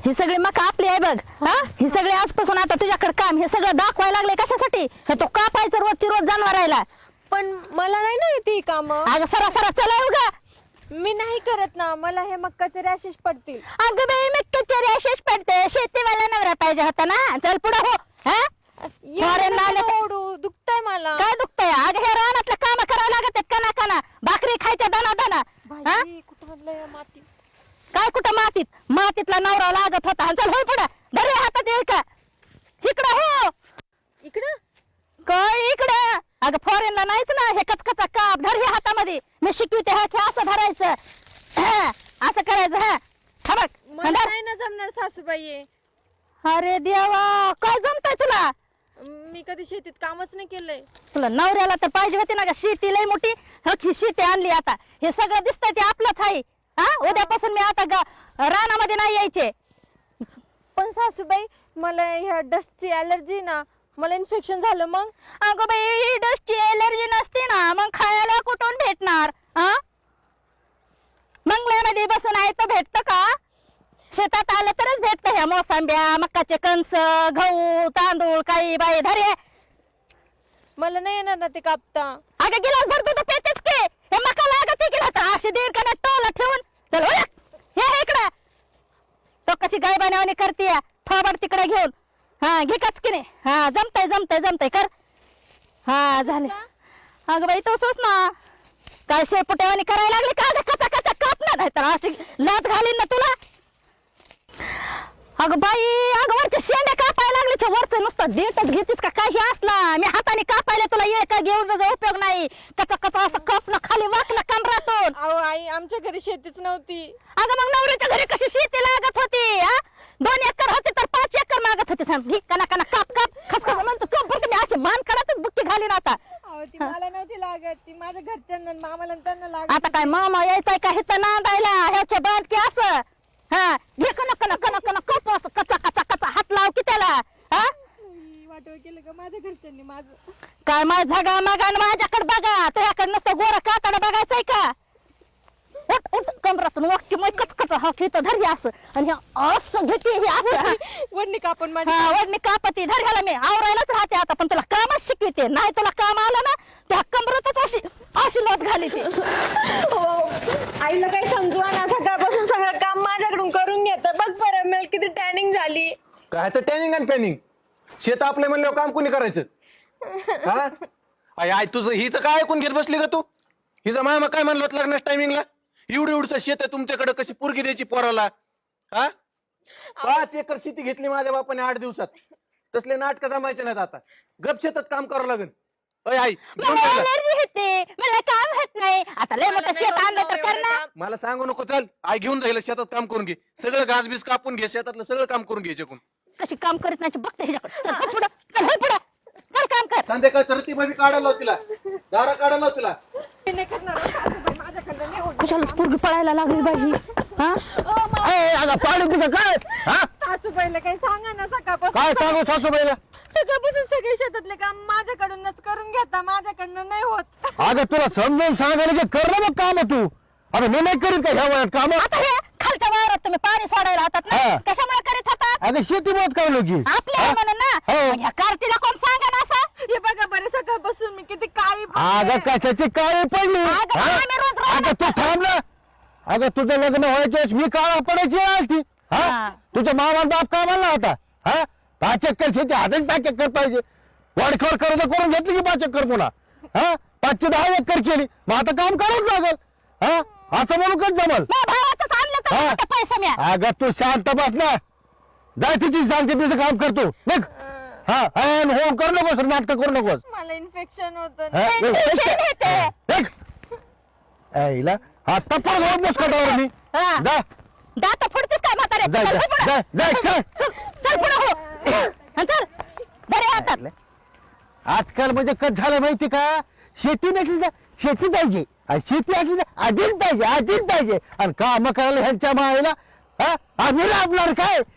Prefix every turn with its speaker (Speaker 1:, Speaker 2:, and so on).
Speaker 1: ही सगळी मका आपली आहे बघ. हा ही सगळी आजपासून आता तुझ्याकडे काम हे सगळं दाखवायला लागले कशासाठी? हे तो कापायचं रोजची रोज जनावरायला.
Speaker 2: पण मला नाही ना येते काम.
Speaker 1: अगं सरा सरा चला उगा.
Speaker 2: मी नाही करत ना, मला हे मक्काचे रॅशेस पडतील.
Speaker 1: अगं बाई मक्काचे रॅशेस पडते. शेतीवाला नवरा पाहिजे होता ना. चल पुढे हो. हा
Speaker 2: एवढं नका ओरडू, दुखतंय मला.
Speaker 1: काय दुखतंय? अगं हे रानातलं काम करायला लागत कना कना. भाकरी खायच्या दाना दाना. हा
Speaker 2: बाई, कुठं आणलंय या माती?
Speaker 1: काय कुठं मातीत? मातीतला नवरा लागत होता. चल होय पुढे. धर रे हातात येईल का? इकडं हो.
Speaker 2: इकडं
Speaker 1: काय इकडं? अगं फॉरेनला नाहीच ना हे कचकचा काप. धर हे हातामध्ये. मी शिकवते हा हे असं धरायचं. हा, असं करायचं. हा बघ.
Speaker 2: मला
Speaker 1: धर.
Speaker 2: नाही ना जमणार सासूबाई.
Speaker 1: अरे देवा काय जमतंय तुला?
Speaker 2: मी कधी शेतीत कामच नाही केलंय.
Speaker 1: तुला नवऱ्याला तर पाहिजे होती ना ग शेती लय मोठी. ही शेती आणली आता. हे सगळं दिसतंय ते आपलंच आहे. हा उद्यापासून मी आता रानामध्ये नाही यायचे.
Speaker 2: पण सासूबाई मला ह्या डस्टची अलर्जी ना, मला इन्फेक्शन झालं मग.
Speaker 1: अगं बाई डस्टची एलर्जी नसते ना मग खायला कुठून भेटणार? हा मंगळ्यामध्ये बसून आहे तर भेटतं का? शेतात आलं तरच भेटतं. ह्या मोसंब्या मक्काचे कणस गहू तांदूळ काही बाई धरे.
Speaker 2: मला नाही येणार ना ते कापता.
Speaker 1: अगं गिलास भरतो तर पेतेच की. हे मका लागत की ना अशी दीड का टोला ठेवून. चल हो हे इकडं. तो कशी गाय बनवणी करते थोबड तिकडे घेऊन. हा घे कच की नाही. हा जमतय जमतय जमतय कर. हा झाले. अगं बाई तसंच ना. काय शेपुटेवानी करायला लागली का? कचा कचा कापणार नाही तर अशी लात घालीन ना तुला. अगं बाई अगं वरच्या शेंड्या कापायला लागले. वरचं नुसतं डेटच घेतीस का काही असला? मी हाताने कापायला तुला ये का घेऊन त्याचा उपयोग नाही. कचा कचा असं कापणं खाली वाकलं कमरातून.
Speaker 2: अहो आई, आमच्या घरी शेतीच नव्हती.
Speaker 1: अगं मग नवऱ्याच्या घरी कशी शेती लागत होती? हा 2 एकर होते तर 5 एकर मागत होते. सांग घे कना कना काप काप खसखस म्हणतो कप बरं मी अशी मान काढतच बुक्की घालीन आता.
Speaker 2: अहो ती मला नव्हती लागत, ती माझ्या घरच्यांना मामाला त्यांना लागत.
Speaker 1: आता काय मामा यायचाय का हिचं नांदायला? ह्याच्या बांध की असं. हा घे कना कना कना कना कप असं कचा कचा कचा हात लाव की त्याला. हा
Speaker 2: वाटव केलं का माझ्या घरच्यांनी माझं?
Speaker 1: काय माझ झगा मागा माझ्याकडे बघा. तुझ्याकडे नुसतं गोरा कातडा बघायचंय का? उठ उठ कमरातून वाक्य मग कचकच हा घेतं धर हे असं आणि हे असं घेते हे असं.
Speaker 2: वडणी कापून माझी.
Speaker 1: हा वडणी कापती धर ह्याला मी आवरायलाच राहते आता. पण तुला कामच शिकवते. नाही तुला काम आलं ना त्या कमरातच अशी अशी लोट घाली ती.
Speaker 2: आईला काय समजू ना, सकाळपासून सगळं काम माझ्याकडून करून घेत. बघ बरं मला किती टॅनिंग झाली.
Speaker 3: काय तर टॅनिंग आणि पॅनिंग. शेत आपले म्हणल्यावर काम कोणी करायचं? हा आई आई तुझं हिचं काय ऐकून घेत बसली का तू? हिचा मामा काय म्हणलं होतं लग्नाच्या टायमिंगला? एवढं एवढं शेत आहे तुमच्याकडे, कशी पोरगी द्यायची पोराला? हा 5 एकर शेती घेतली माझ्या बापाने 8 दिवसात. तसले नाटक जमायचे नाहीत आता. गप शेतात काम करावं लागेल. अय आई घेऊन
Speaker 1: मला
Speaker 3: जायला.
Speaker 1: एलर्जी होते. मला काम होत नाही. आता लय मोठं शेत आणलं तर कर ना.
Speaker 3: मला सांगू नको. चल आई घेऊन जाईल शेतात काम करून घे. सगळं घासबीस कापून घे. शेतातलं सगळं काम करून घ्यायचे कोण.
Speaker 1: कशी काम करत नाही बघते ह्याच्याकडे. चल हो पुढं चल हो पुढं चल काम कर.
Speaker 3: संध्याकाळ तर ती भाभी काढायला लाव तिला. दारा काढायला लाव तिला.
Speaker 2: मी नाही करणार सासूबाई, माझ्याकडनं नाही होत.
Speaker 1: कुशालाच पोरगी पळायला लागली बाई ही. हा अगं पाणी तुझं काय? हा
Speaker 2: सासूबाईला काही सांगा ना, सकाळपासून
Speaker 4: काय सांगू सासूबाईला?
Speaker 2: सकाळपासून सगळे शेतातले काम माझ्याकडूनच करून घेता. माझ्याकडनं नाही होत.
Speaker 4: अगं तुला समजून सांगायला की कर ना मग काम तू. अरे मी नाही करीत का ह्या वयात काम?
Speaker 1: आता हे खालच्या वावरात तुम्ही पाणी सोडायला हातात ना
Speaker 4: हा.
Speaker 1: कशामुळे करीत होतात?
Speaker 4: अगं शेती मत करलो की
Speaker 1: आपल्या आहे म्हणून ना.
Speaker 4: हो.
Speaker 1: मग ह्या कार्तीला कोण सांगा ना असं?
Speaker 2: हे बघा बरं, सकाळपासून मी किती काळी
Speaker 4: अगं कशाची काळी पडली?
Speaker 1: अगं,
Speaker 4: हा?
Speaker 1: आम्ही रोज राहणार
Speaker 4: अगं तू थांब ना. अगं तुझं लग्न व्हायच्यास मी काळा पडायची आलती.
Speaker 1: हा.
Speaker 4: हा तुझ्या मामा बाप कामाला होता. हा 5 एकर शेती अजून 5 एकर पाहिजे. वाडखोड कर्ज करून घेतली की 5 एकर पुन्हा. हा 5 ची 10 एकर केली. मग आता काम करावंच लागल. हा असं म्हणून कच जमल?
Speaker 1: माझ्या भावाचंच आणलं तर
Speaker 4: हा.
Speaker 1: मोठे पैसे मिळा.
Speaker 4: अगं तू शांत बस ना. जाय तिची सांगते तिचं काम करतो बघ. हा हो करू नकोस नाटक करू नकोस.
Speaker 2: मला इन्फेक्शन होत.
Speaker 4: हा, बघ,
Speaker 1: टेन्शन येते.
Speaker 4: बघ. ऐला आता पण जाऊ मुस्कटावर मी.
Speaker 1: हा.
Speaker 4: जा
Speaker 1: दात फोडतेस काय म्हातारे?
Speaker 4: जाय,
Speaker 1: चल
Speaker 4: जाय,
Speaker 1: पुढं.
Speaker 4: जाय, जाय, चल.
Speaker 1: चल पुढं हो. हा, चल बरे हातात.
Speaker 4: आजकाल म्हणजे कच झालं माहिती का? शेती नसली ना शेती पाहिजे आणि शेती असली ना आधीच पाहिजे आणि काम करायला ह्यांच्या मायला. हा आम्ही लाभणार काय?